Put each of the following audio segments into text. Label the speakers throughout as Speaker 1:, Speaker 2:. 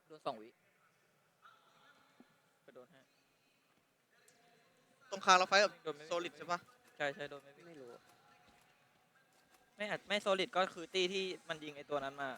Speaker 1: โดน2 วิไปโดนให้
Speaker 2: ตรงคางเราไฟกับ
Speaker 1: โดนไม่
Speaker 2: โซลิดใช่ปะ
Speaker 1: ใช่โดนไม่รู้ไม่โซลิดก็คือตีที่มันยิงไอตัวนั้นมา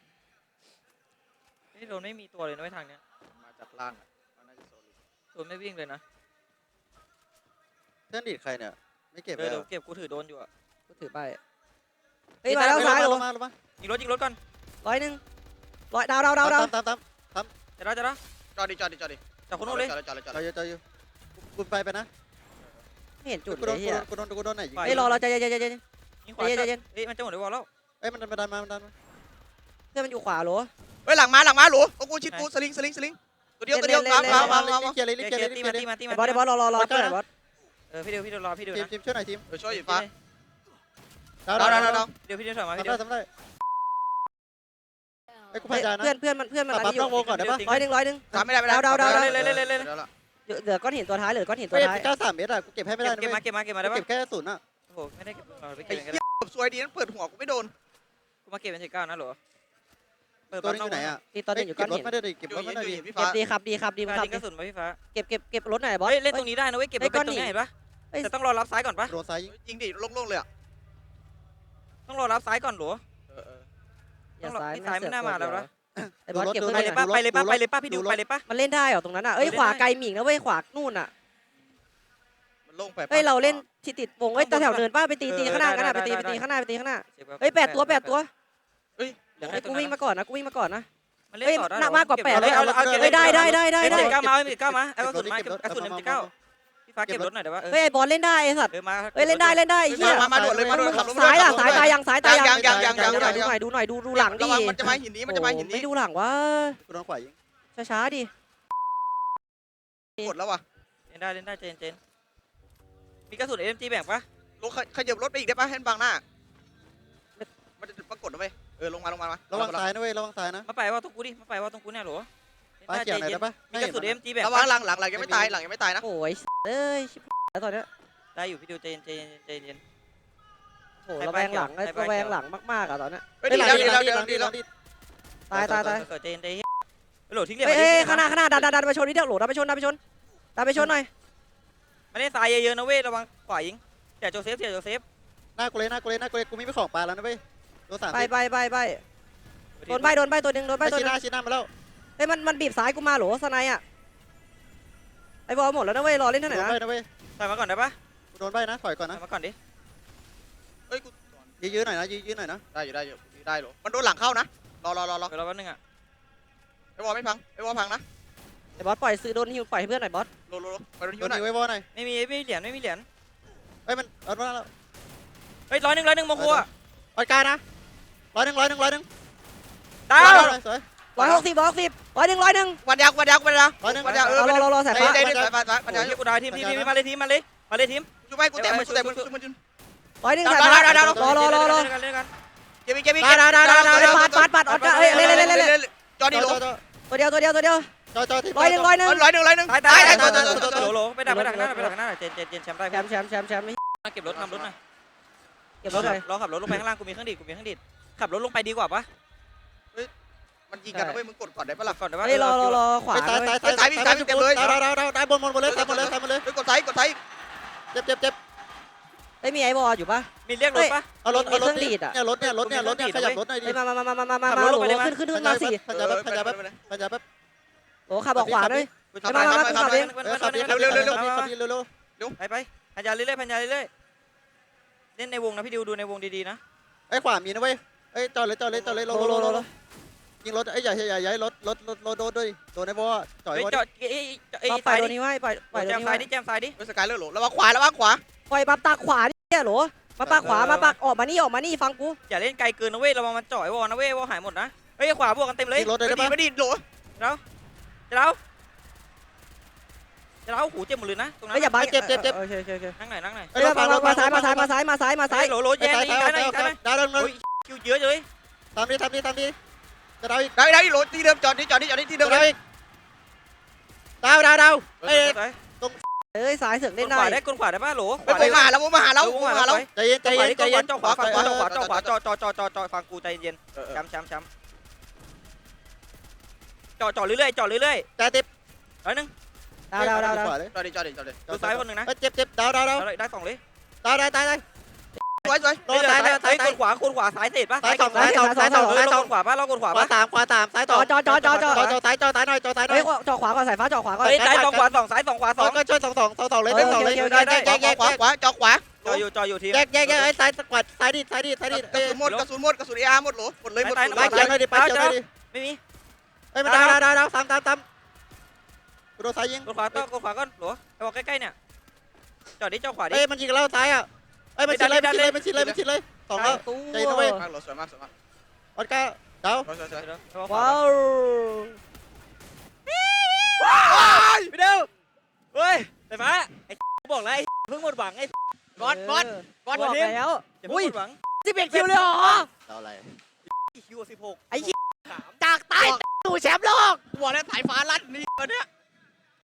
Speaker 1: โดนไม่มีตัวเลยนะทางเนี้ย
Speaker 2: มาจากล่างอ่ะมันน่าจะโซลิด
Speaker 1: โดนไม่วิ่งเลยนะ
Speaker 3: เพื่อนดีดใครเนี่ยไม่เก็บ
Speaker 1: เดี๋ยวเก็บกูถือโดนอยู่อ่ะ
Speaker 4: กูถือไปเฮ้ยมาแล้วซ้ายลง
Speaker 3: มา
Speaker 1: ยิงรถก่อน
Speaker 4: 100ดาว
Speaker 3: ตาม
Speaker 1: จะได้
Speaker 2: จอดดิ
Speaker 1: จากคนนู้นเลย
Speaker 2: จอด
Speaker 3: จอยอยู่กูไปนะ
Speaker 4: ไม่เห็นจุด
Speaker 3: กู
Speaker 4: เล
Speaker 3: โดน
Speaker 4: ยเฮีย
Speaker 3: กูโดนไหนยิง
Speaker 4: เฮ้ยรอใจเย็น
Speaker 1: ยิงขวาเฮ้ยมันจะหมดเลยวอลแล้ว
Speaker 3: เอ้ยมันดันมา
Speaker 4: เพื่อนมันอยู่ขวาโหล
Speaker 2: เฮ้ยหลังมาหลูโอ้กูชิดกูสลิงตัวเดียวมา
Speaker 3: เกียร์เลย
Speaker 1: ตีมา
Speaker 4: บอสรอเพื่อนบอส
Speaker 1: พี่เดียวรอพี่เดียวนะ
Speaker 3: ทีมช่วยหน่อยทีม
Speaker 2: ช่วยอยู่ฟ้า
Speaker 3: ดาว
Speaker 1: เดี๋ยวพี่เดียวถอยมาพี่เดียว
Speaker 3: ทำได้ไอ้กูพายใจนะ
Speaker 4: เพื่อนมันอันนี้อยู่
Speaker 3: ปั๊บวงก่อนได้ปะ
Speaker 2: ทำไม่ได้
Speaker 1: เลย
Speaker 4: เหลือก้อนหินตัวท้ายเหลือก้อนหินตัว
Speaker 3: เฮ้ย
Speaker 4: ท้าย
Speaker 3: 93 เมตรอะกูเก็บให้ไม่ได้นะ
Speaker 1: เก็บมาได้ปะ
Speaker 3: เก็บแค่0อะ
Speaker 1: โอ้โหไม่ได้เก็บไป
Speaker 2: ไอ้
Speaker 1: เก็บกัน
Speaker 2: เหี้ยสวยดีนั่นเปิดหัวกูไม่โดน
Speaker 1: กูมาเก็บเป็น19นะหรอเปิด
Speaker 3: ตัวนี้อยู่ไหนอะ
Speaker 4: ตีตัวนึงอยู่ก้อนหิน
Speaker 3: ไม่ได้ดิเก็บรถไม่ได้ดิ
Speaker 2: พี่
Speaker 4: เก็
Speaker 2: ฟ้า
Speaker 4: บดีครับ
Speaker 1: ฟ้ายิงกระสุนมาพี่ฟ้า
Speaker 4: เก็บรถหน่อยบอส
Speaker 1: เฮ้ยเล่นตรงนี้ได้นะเว้ยเก็บรถตรงนี้เห็นปะแต่ต้องรอรับซ้ายก่อนปะ
Speaker 3: โดนซ้ายยิง
Speaker 2: ยิงดิโล่งเลยอ่ะ
Speaker 1: ต้องรอรับซ้ายก่อนหรอ
Speaker 4: อย่าซ้าย
Speaker 1: ซ้ายไม่น่ามาแล้วนะ
Speaker 4: ไอ้บอสเก็บ
Speaker 1: ไปเลยป่ะไปเลยป่ะพี่ดิวไปเลยป่ะ
Speaker 4: มันเล่นได้เหรอตรงนั้นอ่ะเอ้ยขวาไกลหมิงนะเว้ยขวานู่นอ่ะ
Speaker 2: มันโล่งไป
Speaker 4: เฮ้ยเราเล่นที่ติดวงเฮ้ยแถวเนินป้าไปตีข้างหน้ากันนะไปตีข้างหน้าเฮ้ย8 ตัว
Speaker 2: เฮ้ย
Speaker 4: เฮ้ยกูวิ่งมาก่อนนะ
Speaker 1: มันเล่น
Speaker 4: เฮ้ย
Speaker 1: ต่อได้
Speaker 4: หนักมากกว่า8เลย
Speaker 1: เอา
Speaker 4: เฮ้ยได้
Speaker 1: 9มาเอากระสุนมากระสุนM19พี่ฟ้าเก็บรถหน่อยได้ปะ
Speaker 4: เฮ้ยไอ้บอลเล่นได้ไอ้สัตว์
Speaker 1: มา
Speaker 4: เฮ้ยเล่นได้เฮีย
Speaker 2: มาด่วนเลยมาด่วน
Speaker 4: ซ้ายตายยังดูหน่อยดูหลังดิ
Speaker 2: ระวังมันจะมาหินนี้
Speaker 4: ไม่ดูหลังวะ
Speaker 3: กูโดนขวายิง
Speaker 4: ช้าดิ
Speaker 2: กดแล้วว่ะ
Speaker 1: เล่นได้เจนมีกระสุน SMG แบ่งปะ
Speaker 2: ลงขยับรถไปอีกได้ปะให้บังหน้ามันจะปรากฏนะเว้ยลงมา
Speaker 3: ระวังซ้ายนะเว้ยระวังซ้ายนะ
Speaker 1: มาไปว่าตรงกูดิมาไปว่าตรงกูเนี่ยหรอ
Speaker 3: ป้าเกี่ยวไหนได้ปะ
Speaker 1: มีกระสุน SMG แบ่ง
Speaker 2: ระวังหลังยังไม่ตายนะ
Speaker 4: โอ้ยเอ้ยชิบแล้วตอนเนี้ย
Speaker 1: ได้อยู่พี่ดิวเจน
Speaker 4: โหระแวงหลังมากๆอ่ะตอนเนี้ย
Speaker 2: ดีแล้ว
Speaker 4: ตาย
Speaker 1: เจนโหลทิ้งเหลี่ยม
Speaker 4: เฮ้ยข้างหน้าดันไปชนนี่เดี๋ยวโหลดันไปชนหน่อย
Speaker 1: ไม่ได้ทรายเยอะๆนะเว้ยระวังขวายิงเสียโจเซฟ
Speaker 3: หน้ากูเลยกูมีไม่ของปลาแล้วนะเว้ยโดน3
Speaker 4: ไปโดนใบตัวนึง
Speaker 3: ชี้หน้ามาแล้ว
Speaker 4: เฮ้ยมันบีบซ้ายกูมาโหลสไนอ่ะไอ้บอลหมดแล้วนะเว้ยรอเล่นเท่าไหร่
Speaker 3: โดน
Speaker 4: นะ
Speaker 3: ใบนะเว้ย
Speaker 1: ถอยมาก่อนได้ปะ
Speaker 3: กูโดนใบนะถอยก่อนนะ
Speaker 1: ถอยมาก่อนดิ
Speaker 2: เฮ้ยกู
Speaker 3: ยื้อหน่อยนะยื้อหน่อยนะ
Speaker 2: ได้หรอมันโดนหลังเข้านะรอ
Speaker 1: เดี๋ยวรอแป๊บนึงอ่ะ
Speaker 2: ไอ้วอลไม่พังนะ
Speaker 4: ไอ้บอสปล่อยซื้อโดนฮิวปล่อยให้เพื่อนหน่อยบอส
Speaker 2: โลไปโดน
Speaker 3: โด
Speaker 2: ฮิวน หน่อย
Speaker 3: ไว้วอหน่อย
Speaker 1: ไม่มีเหรียญ
Speaker 3: เฮ้ยมันเอามาแล้ว
Speaker 1: เฮ้ย101โมโคอ่ะ
Speaker 3: ออยกานะ101
Speaker 1: ดาว
Speaker 3: สวย
Speaker 4: 160 101
Speaker 2: วันยาว
Speaker 3: 101
Speaker 4: รอสายฟ้า
Speaker 2: ได้สายฟ้า
Speaker 1: มันจะกูดาวทีมมาเลยทีม
Speaker 2: ช่วยกูเตะมัน
Speaker 4: 101สายฟ้ารอเ
Speaker 2: เก็บ
Speaker 4: ปัดออดเอ้ยเล่น
Speaker 2: จอดีโล
Speaker 4: ตัวเดียว
Speaker 3: จอที่
Speaker 4: 101
Speaker 2: 101ตาย
Speaker 1: โหลไปดักหน้าเจนแชมป์ได้
Speaker 4: แชมป์
Speaker 1: เก็บรถนำรถหน่อย
Speaker 4: เก็บรถหน่อย
Speaker 1: รอขับรถลงไปข้างล่างกูมีเครื่องดีดขับรถลงไปดีกว่าปะ
Speaker 2: มันยิงกันนะเว้ยมึงกดก่อนได้ปะล่ะ
Speaker 1: ก่อนได้ปะ
Speaker 4: เฮ้ยรอขวา
Speaker 3: ตายบนเลยตายหมดเลย
Speaker 2: กดไซส์
Speaker 3: เจ็บ
Speaker 4: เฮ้ยมีไอ้บอลอยู่ปะ
Speaker 1: มีเรียกรถปะ
Speaker 3: เอารถเนี่ยขยับรถหน่อยดิ
Speaker 4: เฮ้ยมาโหลขึ้นมา4
Speaker 3: พันยาแป๊บ
Speaker 4: โหขับออกขวาด้วย
Speaker 3: ขับเร็ว
Speaker 1: ไปพันยาเรื่อยเล่นในวงนะพี่ดิวดูในวงดีๆนะ
Speaker 3: ไอ้ขวามีนะเว้ยไอ้จอดเลยโลยิงรถไอ้ใหญ่รถโดนด้วยโดนไอ้บอจ่อย
Speaker 1: เฮ้ย
Speaker 3: บอ
Speaker 1: จอดไอ้
Speaker 4: ปล่อยตัวนี้ไว้ปล่อย
Speaker 1: แจ
Speaker 4: ตัว
Speaker 1: ม
Speaker 4: นี้
Speaker 1: ซ้า
Speaker 4: ไว้
Speaker 1: ยดิแจมซ้ายดิ
Speaker 2: สกายเลอร์โหลระวังขวา
Speaker 4: ปล่อยปักตาขวาเนี่ยโหลมาปักขวามาปักออกมานี่ฟังกู
Speaker 1: อย่าเล่นไกลเกินนะเว้ยระวังมันจ่อยวอนะเว้ยวอหายหมดนะเฮ้ยขวาบวกกันเต็มเลย
Speaker 3: ยิงรถได้ปะ
Speaker 2: ไม่ดีโหล
Speaker 1: จะเล่าหูเจ็บหมดเลยนะตรงนั้น
Speaker 4: เฮ้ยอย่าบัง
Speaker 3: เจ็บ
Speaker 4: โอเค
Speaker 1: นั่งหน่อย
Speaker 4: เฮ้ยมาซ้าย
Speaker 1: โหลแย่นี่ได้ไหม
Speaker 3: ดาว
Speaker 1: คิวเยอะเลย
Speaker 3: ทำดีจะดาวอีก
Speaker 2: ได้โหลที่เดิมจอดที่เดิม
Speaker 3: ดาวอีกดาวเอ้ย
Speaker 4: เอ้ยซ้ายเสือกเล่นได้
Speaker 1: ขวาได้ป่ะโหล
Speaker 2: ไปมาหาแล้ว
Speaker 3: ใจเย็น
Speaker 1: จ่อขวาจ่อฟังกูใจเย็นช้ำจ่อเรื่อยๆจ่อเรื่อย
Speaker 3: จ่าเจ็บ
Speaker 1: ๆร้อยหนึ่ง
Speaker 4: ดาว
Speaker 3: ขวาเลย
Speaker 2: จอดดิจอดดิจอดดิ
Speaker 1: ดูซ้ายคนหนึ่งนะ
Speaker 3: เจ็บเจ็บดาวดาวดาว
Speaker 1: ได้สองเลย
Speaker 3: ตายตาย
Speaker 2: สวยสวย
Speaker 3: โดนตาย
Speaker 1: เฮ้ยกดขวาซ้ายเสร็จปะ
Speaker 3: ซ้ายสองซ้ายสองซ้ายสอง
Speaker 1: เรา
Speaker 3: ซ้ายส
Speaker 1: ก
Speaker 3: อง
Speaker 1: ดขวาปะเรากดขวา
Speaker 3: ขวา
Speaker 1: ปะ
Speaker 3: สามซ้าย
Speaker 4: จ
Speaker 3: ต่อ
Speaker 4: อซ้ายจอ
Speaker 3: จอซ้ายหน่อยจอซ้ายหน่
Speaker 4: เฮ้
Speaker 3: อย ย
Speaker 4: จอขวาก่อนสายฟ้าจอขวาก่อน
Speaker 1: เฮ้ยซ้ายสองขวาสองซ้ายสองขวาสอง
Speaker 3: ก็ช่วยสองเลยเต็มสองเลย
Speaker 4: โอเค
Speaker 3: แยก
Speaker 2: ขวาจอขวา
Speaker 1: จ่ออยู่ทีม
Speaker 3: ไอ้ซ้ายสกวัดซ้ายดิ
Speaker 2: กระสุนหมดกระสุนเออาร์หมดหรอหมดเลยหมด
Speaker 3: ไปเกี่ยวหน่อยดิไปเกี่ยวหน่อยดิ
Speaker 1: ไม่มี
Speaker 3: เฮ้ยมันดาวตามกูโดนซ้ายยิง
Speaker 1: กดขวาก่อนหรอไปบอกใกล้ๆเนี่ยจ่อดิจ่อขวาดิ
Speaker 3: เฮ้ยมันยิงแล้วซ้ายอ่ะเฮ้ยมันชิดเลยสองแล้ว
Speaker 4: ตู้
Speaker 3: ใจนะเว้ย
Speaker 2: มากหรอสวยมากสวยมาก
Speaker 3: ออสการ์ดาว
Speaker 2: สวย
Speaker 4: ว้าว
Speaker 1: พี่เดียวเฮ้ยแต่ฟ้าไอ้บอกแล้วไอ้เพิ่งหมดหวังไอ้
Speaker 2: บอส
Speaker 4: บอกแล้ว
Speaker 1: อย่าเพิ่งหมดหวัง
Speaker 4: 11 คิวเลยเหรอ
Speaker 3: ดาวอะไร
Speaker 1: คิว16
Speaker 4: จากใต้ตู่แชมป์โลก
Speaker 2: บอกแล้วสายฟ้าลั่นนี่วันเนี้ย